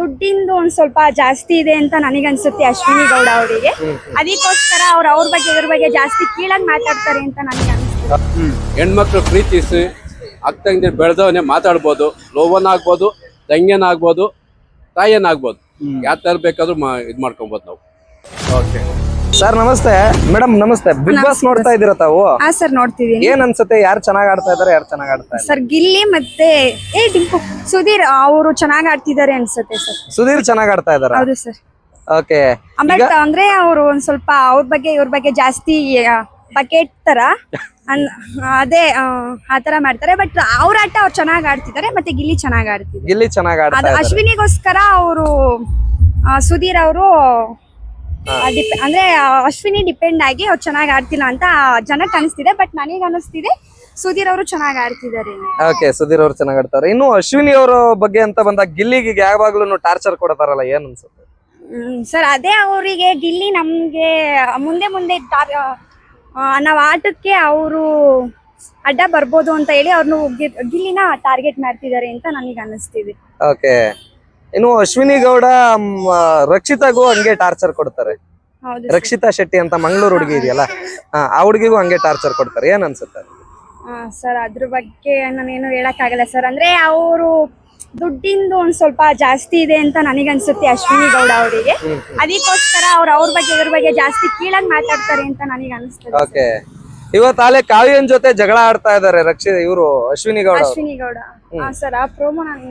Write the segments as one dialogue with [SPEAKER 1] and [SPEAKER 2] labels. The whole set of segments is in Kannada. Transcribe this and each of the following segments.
[SPEAKER 1] ದುಡ್ಡಿಂದು ಒಂದ್ ಸ್ವಲ್ಪ ಜಾಸ್ತಿ ಇದೆ ಅಂತ ನನಗನ್ಸುತ್ತೆ ಅಶ್ವಿನಿ ಗೌಡ ಅವರಿಗೆ. ಅದಕ್ಕೋಸ್ಕರ ಅವ್ರ ಬಗ್ಗೆ ಇದ್ರ ಬಗ್ಗೆ ಜಾಸ್ತಿ ಕೀಳಾಗಿ ಮಾತಾಡ್ತಾರೆ ಅಂತ ನನಗೆ ಅನ್ಸುತ್ತೆ.
[SPEAKER 2] ಹೆಣ್ಮಕ್ಳು ಪ್ರೀತಿಸಿ ಅಕ್ಕಂಗೆ ಬೆಳೆದವನೇ ಮಾತಾಡ್ಬೋದು, ಲೋವನಾಗ್ಬೋದು, ತಂಗಿಯನಾಗ್ಬೋದು, ತಾಯಿಯನಾಗ್ಬೋದು, ಯಾವ ತರ ಬೇಕಾದ್ರೂ ಇದ್ ಮಾಡ್ಕೊಬೋದು ನಾವು.
[SPEAKER 3] ಓಕೆ ಸರ್ ನಮಸ್ತೆ. ಮೇಡಮ್ ನಮಸ್ತೆ. ಬಿಗ್ ಬಾಸ್ ನೋಡ್ತಾ ಇದೀರ ತಾವು?
[SPEAKER 1] ಹಾ ಸರ್ ನೋಡ್ತಿದೀನಿ.
[SPEAKER 3] ಏನ್ ಅನ್ಸುತ್ತೆ, ಯಾರು ಚೆನ್ನಾಗ್ ಆಡ್ತಾ ಇದಾರೆ, ಯಾರು ಚೆನ್ನಾಗ್ ಆಡ್ತಾ ಇದ್ದಾರೆ?
[SPEAKER 1] ಸರ್ ಗಿಲ್ಲಿ ಮತ್ತೆ ಡಿಂಪು ಸುಧೀರ್ ಅವರು ಚೆನ್ನಾಗ್ ಆಡ್ತಿದ್ದಾರೆ ಅನ್ಸುತ್ತೆ ಸರ್.
[SPEAKER 3] ಸುಧೀರ್ ಚೆನ್ನಾಗ್ ಆಡ್ತಾ ಇದಾರ?
[SPEAKER 1] ಹೌದು ಸರ್.
[SPEAKER 3] ಓಕೆ.
[SPEAKER 1] ಬಟ್ ಅಂದ್ರೆ ಅವರು ಒಂದ್ ಸ್ವಲ್ಪ ಅವ್ರ ಬಗ್ಗೆ ಇವ್ರ ಬಗ್ಗೆ ಜಾಸ್ತಿ ಬಕೆಟ್ ತರ ಅದೇ ಆತರ ಮಾಡ್ತಾರೆ. ಬಟ್ ಅವ್ರ ಆಟ ಅವ್ರು ಚೆನ್ನಾಗ್ ಆಡ್ತಿದ್ದಾರೆ, ಮತ್ತೆ ಗಿಲ್ಲಿ ಚೆನ್ನಾಗ್ ಆಡ್ತಿದ್ದಾರೆ.
[SPEAKER 3] ಗಿಲ್ಲಿ ಚೆನ್ನಾಗ್ ಆಡ್ತಾ
[SPEAKER 1] ಅದು
[SPEAKER 3] ಇದಾರೆ.
[SPEAKER 1] ಅಶ್ವಿನಿಗೋಸ್ಕರ ಅವರು ಸುಧೀರ್ ಅವರು ಅಂದ್ರೆ ಅಶ್ವಿನಿ ಡಿಪೆಂಡ್ ಆಗಿ ಅವ್ರು ಚೆನ್ನಾಗಿ ಆಡ್ತಿಲ್ಲ ಅಂತ ಜನಕ್ಕೆ ಅನಿಸ್ತಿದೆ. ಬಟ್ ನನಗೆ ಅನಿಸ್ತಿದೆ ಸುಧೀರ್ ಅವರು ಚೆನ್ನಾಗಿ ಆಡ್ತಿದ್ದಾರೆ.
[SPEAKER 3] ಓಕೆ, ಸುಧೀರ್ ಅವ್ರು ಚೆನ್ನಾಗ್ ಆಡ್ತಾರೆ. ಇನ್ನು ಅಶ್ವಿನಿ ಅವರ ಬಗ್ಗೆ ಅಂತ ಬಂದಾಗ ಗಿಲ್ಲಿಗೆ ಯಾವಾಗ್ಲೂ ಟಾರ್ಚರ್ ಕೊಡ್ತಾರಲ್ಲ, ಏನ್ ಅನ್ಸುತ್ತೆ?
[SPEAKER 1] ಸರ್ ಅದೇ ಅವರಿಗೆ ಗಿಲ್ಲಿ ನಮ್ಗೆ ಮುಂದೆ ಮುಂದೆ ನಾವ್ ಆಟಕ್ಕೆ ಅವರು ಅಡ್ಡ ಬರ್ಬೋದು ಅಂತ ಹೇಳಿ ಅವ್ರನ್ನು ಗಿಲ್ಲಿನ ಟಾರ್ಗೆಟ್ ಮಾಡ್ತಿದ್ದಾರೆ ಅಂತ ನನಗೆ ಅನಿಸ್ತಿದೆ.
[SPEAKER 3] ಓಕೆ. ಇನ್ನು ಅಶ್ವಿನಿ ಗೌಡ ರಕ್ಷಿತಾಗೂ ಹಂಗೆ ಟಾರ್ಚರ್ ಕೊಡ್ತಾರೆ. ರಕ್ಷಿತಾ ಶೆಟ್ಟಿ ಅಂತ ಮಂಗಳೂರು ಹುಡುಗಿ ಇದೆಯಲ್ಲ, ಆ ಹುಡುಗಿಗೂ ಹಂಗೆ ಟಾರ್ಚರ್ ಕೊಡ್ತಾರೆ. ಏನ್ ಅನ್ಸುತ್ತೆ?
[SPEAKER 1] ಸರ್ ಅದ್ರ ಬಗ್ಗೆ ನಾನೇನು ಹೇಳಕ್ ಆಗಲ್ಲ ಸರ್. ಅಂದ್ರೆ ಅವರು ದುಡ್ಡಿಂದು ಒಂದ್ ಸ್ವಲ್ಪ ಜಾಸ್ತಿ ಇದೆ ಅಂತ ನನಗನ್ಸುತ್ತೆ ಅಶ್ವಿನಿ ಗೌಡ ಅವರಿಗೆ. ಅದಕ್ಕೋಸ್ಕರ ಅವ್ರ ಬಗ್ಗೆ ಇದ್ರ ಬಗ್ಗೆ ಜಾಸ್ತಿ ಕೀಳಾಗಿ ಮಾತಾಡ್ತಾರೆ ಅಂತ ನನಗೆ ಅನಿಸ್ತದೆ.
[SPEAKER 3] ಓಕೆ. ಇವತ್ತಾಲೆ ಕಾವ್ಯನ್ ಜೊತೆ ಜಗಳ ಆಡ್ತಾ ಇದಾರೆ ಇವರು ಅಶ್ವಿನಿ ಗೌಡ.
[SPEAKER 1] ಅಶ್ವಿನಿ ಗೌಡ ಸರ್ ಆ ಪ್ರೋಮೋ ನಾನು.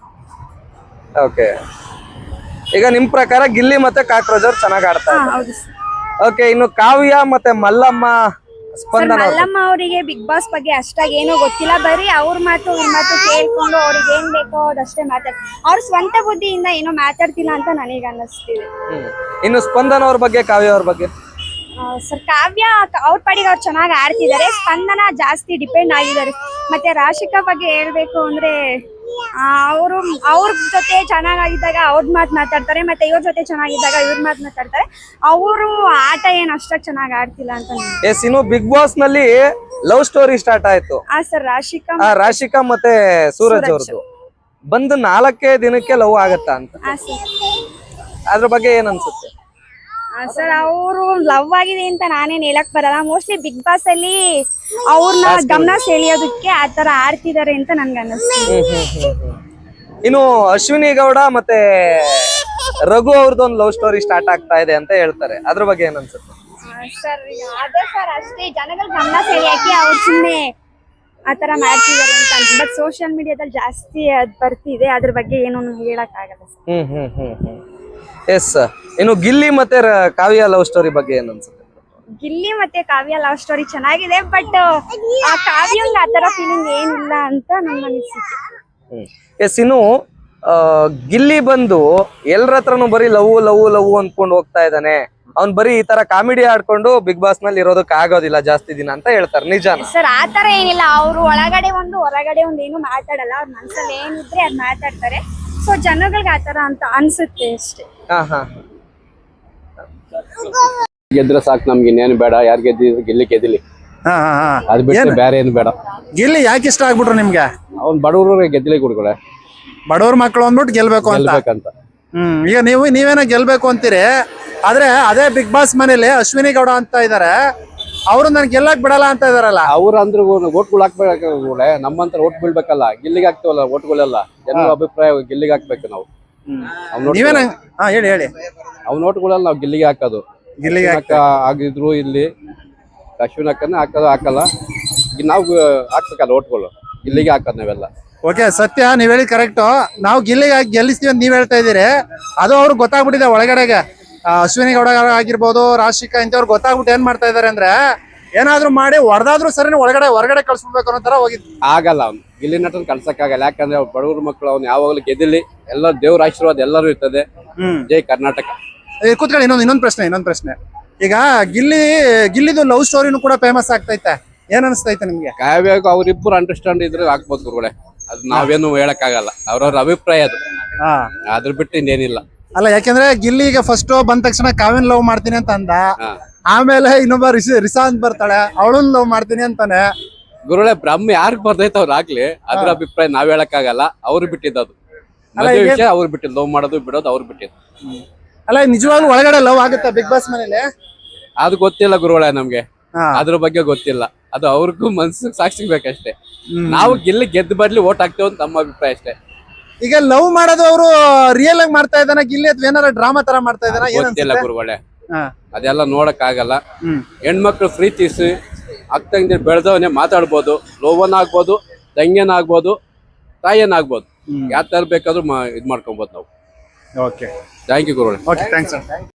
[SPEAKER 3] ಓಕೆ. ಈಗ ನಿಮ್ ಪ್ರಕಾರ ಗಿಲ್ಲಿ ಮತ್ತೆ ಕಾಕ್ರೋಚ್ ಅವ್ರು ಚೆನ್ನಾಗ್ ಆಡ್ತಾ ಇದ್ದಾರೆ. ಓಕೆ. ಇನ್ನು ಕಾವ್ಯ ಮತ್ತೆ ಮಲ್ಲಮ್ಮ ಸ್ಪಂದನ.
[SPEAKER 1] ಮಲ್ಲಮ್ಮ ಅವರಿಗೆ ಬಿಗ್ ಬಾಸ್ ಬಗ್ಗೆ ಅಷ್ಟಾಗಿ ಏನೋ ಗೊತ್ತಿಲ್ಲ. ಬರೀ ಅವ್ರ ಮಾತು ಇವ್ರ ಮಾತು ಕೇಳ್ಕೊಂಡು ಅವ್ರಿಗೆ ಏನ್ ಬೇಕೋ ಅದಷ್ಟೇ ಅವ್ರ ಸ್ವಂತ ಬುದ್ಧಿಯಿಂದ ಏನೋ ಮಾತಾಡ್ತಿಲ್ಲ ಅಂತ ನನಗೆ ಅನ್ನಿಸ್ತಿದೆ.
[SPEAKER 3] ಇನ್ನು ಸ್ಪಂದನ ಅವ್ರ ಬಗ್ಗೆ, ಕಾವ್ಯ ಅವ್ರ ಬಗ್ಗೆ?
[SPEAKER 1] ಸರ್ ಕಾವ್ಯ ಅವ್ರ ಪಾಡಿಗೆ ಅವ್ರು ಚೆನ್ನಾಗಿ ಆಡ್ತಿದ್ದಾರೆ. ಸ್ಪಂದನ ಜಾಸ್ತಿ ಡಿಪೆಂಡ್ ಆಗಿದ್ದಾರೆ. ಮತ್ತೆ ರಾಶಿಕಾ ಬಗ್ಗೆ ಹೇಳ್ಬೇಕು ಅಂದ್ರೆ ಅವ್ರ ಜೊತೆ ಚೆನ್ನಾಗಿದ್ದಾಗ ಅವ್ರ ಮಾತು ಮಾತಾಡ್ತಾರೆ, ಮತ್ತೆ ಇವ್ರ ಜೊತೆ ಚೆನ್ನಾಗಿದ್ದಾಗ ಇವ್ರ ಮಾತು ಮಾತಾಡ್ತಾರೆ. ಅವರು ಆಟ ಏನ್ ಅಷ್ಟಾಗಿ ಚೆನ್ನಾಗಿ ಆಡ್ತಿಲ್ಲ ಅಂತ.
[SPEAKER 3] ಎಸ್. ಇನ್ನು ಬಿಗ್ ಬಾಸ್ ನಲ್ಲಿ ಲವ್ ಸ್ಟೋರಿ ಸ್ಟಾರ್ಟ್ ಆಯ್ತು.
[SPEAKER 1] ಸರ್
[SPEAKER 3] ರಾಶಿಕಾ ಮತ್ತೆ ಸೂರಜ್ ಅವ್ರದ್ದು ಬಂದು 4 ದಿನಕ್ಕೆ ಲವ್ ಆಗತ್ತಾ ಅಂತ, ಅದ್ರ ಬಗ್ಗೆ ಏನ್ ಅನ್ಸುತ್ತೆ?
[SPEAKER 1] ಸರ್ ಅವರು ಲವ್ ಆಗಿದೆ ಅಂತ ನಾನೇನ್ ಹೇಳಕ್ ಬರಲ್ಲ. ಮೋಸ್ಟ್ಲಿ ಬಿಗ್ ಬಾಸ್ ಅಲ್ಲಿ ಅವ್ರನ್ನ ಗಮನ ಸೆಳೆಯೋದಕ್ಕೆ ಆತರ ಆಡ್ತಿದ್ದಾರೆ ಅಂತ ನನ್ಗೆ ಅನ್ನಿಸ್ತಿದೆ.
[SPEAKER 3] ಇನ್ನು ಅಶ್ವಿನಿ ಗೌಡ ಮತ್ತೆ ರಘು ಅವ್ರದ್ದೊಂದು ಲವ್ ಸ್ಟೋರಿ ಸ್ಟಾರ್ಟ್ ಆಗ್ತಾ ಇದೆ ಅಂತ ಹೇಳ್ತಾರೆ. ಅದ್ರ ಬಗ್ಗೆ ಏನ್ ಅನ್ಸುತ್ತೆ?
[SPEAKER 1] ಸರ್ ಅದೇ ಸರ್ ಅಷ್ಟೇ, ಜನಗಳ ಗಮನ ಸೆಳೆಯಕ್ಕೆ ಅವ್ರು ಸುಮ್ಮನೆ ಆತರ ಮಾಡ್ತಿದ್ದಾರೆ ಅಂತ ಅನ್ಸುತ್ತೆ. ಬಟ್ ಸೋಷಿಯಲ್ ಮೀಡಿಯಾದಲ್ಲಿ ಜಾಸ್ತಿ ಅದ್ ಬರ್ತಿದೆ, ಅದ್ರ ಬಗ್ಗೆ ಏನು ಹೇಳಕ್ ಆಗಲ್ಲ ಸರ್.
[SPEAKER 3] ಎಸ್. ಇನ್ನು ಗಿಲ್ಲಿ ಮತ್ತೆ ಕಾವ್ಯ ಲವ್ ಸ್ಟೋರಿ ಬಗ್ಗೆ ಏನ್ ಅನ್ಸುತ್ತೆ?
[SPEAKER 1] ಗಿಲ್ಲಿ ಮತ್ತೆ ಕಾವ್ಯ ಲವ್ ಸ್ಟೋರಿ ಚೆನ್ನಾಗಿದೆ. ಬಟ್ ಆ ಕಾವ್ಯಂಗ್ ಆತರ ಫೀಲಿಂಗ್ ಏನಿಲ್ಲ ಅಂತ ನನ್ಗೆ ಅನಿಸುತ್ತೆ.
[SPEAKER 3] ಎಸ್. ಇನ್ನು ಗಿಲ್ಲಿ ಬಂದು ಎಲ್ಲರ ಹತ್ರನು ಬರೀ ಲವ್ ಲವ್ ಲವ್ ಅನ್ಕೊಂಡು ಹೋಗ್ತಾ ಇದ್ದಾನೆ. ಅವ್ನ್ ಬರೀ ಈ ತರ ಕಾಮಿಡಿ ಆಡ್ಕೊಂಡು ಬಿಗ್ ಬಾಸ್ ನಲ್ಲಿ ಇರೋದಕ್ಕೆ ಆಗೋದಿಲ್ಲ ಜಾಸ್ತಿ ದಿನ ಅಂತ ಹೇಳ್ತಾರೆ. ನಿಜಾನ?
[SPEAKER 1] ಸರ್ ಆತರ ಏನಿಲ್ಲ. ಅವ್ರು ಒಳಗಡೆ ಒಂದು ಹೊರಗಡೆ ಒಂದು ಏನು ಮಾತಾಡಲ್ಲ. ಅವ್ರ ಮನ್ಸಲ್ಲಿ ಏನಿದ್ರೆ ಅದ್ ಮಾತಾಡ್ತಾರೆ. ಸೊ ಜನಗಳಿಗೆ ಆತರ ಅಂತ ಅನ್ಸುತ್ತೆ ಅಷ್ಟೇ.
[SPEAKER 2] ಗೆದ್ರೆ ಸಾಕು, ನಮ್ಗೆ ಇನ್ನೇನು ಬೇಡ. ಯಾರು ಗೆದ್ದಿದ್ರು ಗಿಲ್ಲಿ ಗೆದ್ದಿಲಿ, ಅದ್ ಬಿಟ್ಟು ಬೇರೆ ಏನು ಬೇಡ.
[SPEAKER 4] ಗಿಲ್ಲಿ ಯಾಕೆ ಇಷ್ಟ ಆಗ್ಬಿಟ್ರು ನಿಮ್ಗೆ?
[SPEAKER 2] ಅವ್ನ್ ಬಡವ್ರ ಗೆದ್ದಲಿ ಕೊಡ್ಕೊಳೆ,
[SPEAKER 4] ಬಡವ್ರ ಮಕ್ಕಳು ಅಂದ್ಬಿಟ್ಟು ಗೆಲ್ಬೇಕು ಅಂತ. ಈಗ ನೀವೇನೋ ಗೆಲ್ಬೇಕು ಅಂತೀರಿ. ಆದ್ರೆ ಅದೇ ಬಿಗ್ ಬಾಸ್ ಮನೇಲಿ ಅಶ್ವಿನಿ ಗೌಡ ಅಂತ ಇದಾರೆ, ಅವ್ರು ನನ್ ಗೆಲ್ಲಕ್ ಬಿಡಲ್ಲ ಅಂತ ಇದಾರಲ್ಲ.
[SPEAKER 2] ಅವ್ರ ಅಂದ್ರೆ ಓಟ್ಗಳು ಹಾಕ್ಬೇಕು. ನಮ್ಮಂತ ಓಟ್ ಬೀಳ್ಬೇಕಲ್ಲ, ಗಿಲ್ಲಿಗೆ ಹಾಕ್ತಿವಲ್ಲ ಓಟ್ಗಳೆಲ್ಲ. ಜನರ ಅಭಿಪ್ರಾಯ ಗಿಲ್ಲಿಗೆ ಹಾಕ್ಬೇಕು ನಾವು.
[SPEAKER 4] ನೀವೇನ ಹೇಳಿ
[SPEAKER 2] ಅವ್ನ ಓಟ್ಗಳೆಲ್ಲ ನಾವು ಗಿಲ್ಲಿಗೆ ಹಾಕೋದು. ಗಿಲ್ಲಿಗೆ ಆಗಿದ್ರು ಇಲ್ಲಿ ಅಶ್ವಿನ್ ಹಾಕನ್ನ ಹಾಕಲ್ಲ. ನಾವು ಹಾಕ್ಬೇಕಲ್ಲ ಓಟ್ಗಳು, ಗಿಲ್ಲಿಗೆ ಹಾಕೋದು ನಾವೆಲ್ಲ.
[SPEAKER 4] ಓಕೆ, ಸತ್ಯ, ನೀವ್ ಹೇಳಿ ಕರೆಕ್ಟ್. ನಾವು ಗಿಲ್ಲಿಗೆ ಗೆಲ್ಲಿಸ್ತೀವಿ ಅಂತ ನೀವ್ ಹೇಳ್ತಾ ಇದೀರಿ. ಅದು ಅವ್ರಿಗೆ ಗೊತ್ತಾಗ್ಬಿಟ್ಟಿದೆ ಒಳಗಡೆಗೆ. ಅಶ್ವಿನಿ ಗೌಡ ಆಗಿರ್ಬೋದು, ರಾಶಿಕಾ ಇಂಥವ್ರು ಗೊತ್ತಾಗ್ಬಿಟ್ಟು ಏನ್ ಮಾಡ್ತಾ ಇದಾರೆ ಅಂದ್ರೆ, ಏನಾದ್ರು ಮಾಡಿ ಹೊಡೆದಾದ್ರೂ ಸರಿ ಹೊರಗಡೆ ಕಳ್ಸ್ಬಿಡ್ಬೇಕು ಅನ್ನೋ ತರ ಹೋಗಿದ್.
[SPEAKER 2] ಆಗಲ್ಲ, ಅವ್ನು ಗಿಲ್ಲಿ ನಟನ್ ಕಳ್ಸಕ್ಕಾಗಲ್ಲ. ಯಾಕಂದ್ರೆ ಬಡವ್ರ ಮಕ್ಕಳು ಅವ್ನು ಯಾವಾಗಲೂ ಗೆದ್ದಿಲಿ. ಎಲ್ಲ ದೇವ್ರ ಆಶೀರ್ವಾದ ಎಲ್ಲರೂ ಇರ್ತದೆ. ಜೈ ಕರ್ನಾಟಕ.
[SPEAKER 4] ಕೂತ್ಕೊಳ್ಳಿ. ಇನ್ನೊಂದ್ ಪ್ರಶ್ನೆ. ಈಗ ಗಿಲ್ಲಿದು ಲವ್ ಸ್ಟೋರಿನೂ ಕೂಡ ಫೇಮಸ್ ಆಗ್ತೈತೆ. ಏನ್ ಅನಿಸ್ತೈತೆ ನಿಮ್ಗೆ?
[SPEAKER 2] ಕಾವ್ಯಕ್ಕೆ ಅವ್ರಿಬ್ರು ಅಂಡರ್ಸ್ಟ್ಯಾಂಡ್ ಇದ್ರೆ ಹಾಕ್ಬೋದು ಗುರುಗಳೇ. ಅದು ನಾವೇನು ಹೇಳಕ್ ಆಗಲ್ಲ, ಅವ್ರವ್ರ ಅಭಿಪ್ರಾಯ ಅದು. ಅದ್ರ ಬಿಟ್ಟು ಇನ್ನೇನಿಲ್ಲ.
[SPEAKER 4] ಅಲ್ಲ, ಯಾಕೆಂದ್ರೆ ಗಿಲ್ಲಿ ಈಗ ಫಸ್ಟ್ ಬಂದ ತಕ್ಷಣ ಕಾವ್ಯನ್ ಲವ್ ಮಾಡ್ತೀನಿ ಅಂತ ಅಂದ. ಆಮೇಲೆ ಇನ್ನೊಬ್ಬ ರಿಸಾಂತ್ ಬರ್ತಾಳೆ, ಅವಳನ್ನ ಲವ್ ಮಾಡ್ತೀನಿ ಅಂತಾನೆ.
[SPEAKER 2] ಗುರುಗಳೇ, ಬ್ರಹ್ಮ ಯಾರಿಗ್ ಬರ್ತೈತೆ ಅವ್ರು ಆಗ್ಲಿ, ಅದ್ರ ಅಭಿಪ್ರಾಯ ನಾವ್ ಹೇಳಕ್ ಆಗಲ್ಲ. ಅವ್ರು ಬಿಟ್ಟಿದ್ದದು. ಮದುವೆ ವಿಷಯ ಅವ್ರು ಬಿಟ್ಟಿದ್ದು, ಲವ್ ಮಾಡೋದು ಬಿಡೋದು ಅವ್ರು ಬಿಟ್ಟಿದ್ದು.
[SPEAKER 4] ಅಲ್ಲ ನಿಜವಾಗ್ಲೂ ಒಳಗಡೆ ಲವ್ ಆಗುತ್ತಾ ಬಿಗ್ ಬಾಸ್ ಮನೇಲಿ?
[SPEAKER 2] ಅದು ಗೊತ್ತಿಲ್ಲ ಗುರುಗಳೇ ನಮ್ಗೆ,
[SPEAKER 4] ಹಾ.
[SPEAKER 2] ಅದ್ರ ಬಗ್ಗೆ ಗೊತ್ತಿಲ್ಲ. ಅದು ಅವ್ರಿಗೂ ಮನ್ಸು ಸಾಕ್ಷಿ ಬೇಕಷ್ಟೇ. ನಾವು ಗೆದ್ದು ಬರ್ಲಿ ಓಟ್ ಹಾಕ್ತೇವೆ ಅಂತ ನಮ್ಮ ಅಭಿಪ್ರಾಯ ಅಷ್ಟೇ.
[SPEAKER 4] ಈಗ ಲವ್ ಮಾಡೋದು ಅವರು ರಿಯಲ್ ಆಗಿ ಮಾಡ್ತಾ ಇದ್ದಾನ ಗಿಲ್ಲಿ ಅಥವಾ ಏನಾರ ಡ್ರಾಮಾ ತರ ಮಾಡ್ತಾ ಇದ್ದಾನ?
[SPEAKER 2] ಗೊತ್ತಿಲ್ಲ ಗುರುಗಳೇ, ಅದೆಲ್ಲ ನೋಡಕ್ ಆಗಲ್ಲ. ಹೆಣ್ಮಕ್ಳು ಪ್ರೀತಿಸಿ ಅಕ್ಕಂಗೆ ಬೆಳೆದವನೇ ಮಾತಾಡ್ಬೋದು, ಲೋವನ್ ಆಗ್ಬೋದು, ತಂಗಿಯನ್ ಆಗ್ಬೋದು, ತಾಯಿಯನ್ ಆಗ್ಬೋದು, ಯಾವ ತರ ಬೇಕಾದ್ರೂ ಇದ್ ಮಾಡ್ಕೊಬೋದು ನಾವು.
[SPEAKER 4] ಓಕೆ
[SPEAKER 2] ಥ್ಯಾಂಕ್ ಯು ಗುರುಗಳೇ.
[SPEAKER 4] Okay thanks.